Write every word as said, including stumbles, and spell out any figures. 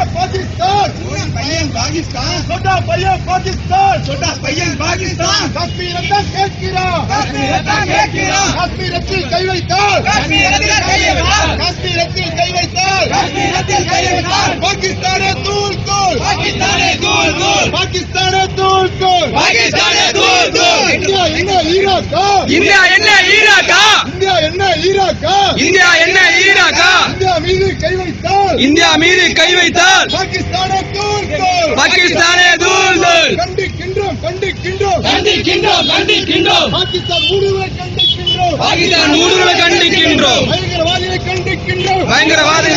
பாகிஸ்தான் பையன் பாகிஸ்தான் சொட்டா பையன் பாகிஸ்தான் சொட்டா பையன் பாகிஸ்தான் காஷ்மீர் தான் கேட்கிறான் காஷ்மீரத்தான் கேட்கிறான் காஷ்மீரத்தில் கை வைத்தால் காஷ்மீரத்தில் கை வைத்தால் காஷ்மீரத்தில் கை வைத்தால் காஷ்மீரத்தில் கை வைத்தால் பாகிஸ்தானே தூள் தூள் பாகிஸ்தானே தூள் தூள் பாகிஸ்தானே தூள் தூள் பாகிஸ்தானே தூள் தூள் இந்தியா என்ன ஈராக்கா இந்தியா என்ன ஈராக்கா இந்தியா என்ன ஈராக்கா இந்தியா என்ன ஈராக்கா இந்தியா மீது கை வைத்தால் இந்தியா மீது கை வைத்தால் பாகிஸ்தானே தூள் தூள் பாகிஸ்தானே தூள் தூள் கண்டிக்கின்றோம் கண்டிக்கின்றோம் கண்டிக்கின்றோம் கண்டிக்கின்றோம் பாகிஸ்தான் ஊடுருவலை கண்டிக்கின்றோம் பாகிஸ்தான் ஊடுருவலை கண்டிக்கின்றோம் பயங்கரவாதிகளை கண்டிக்கின்றோம் பயங்கரவாத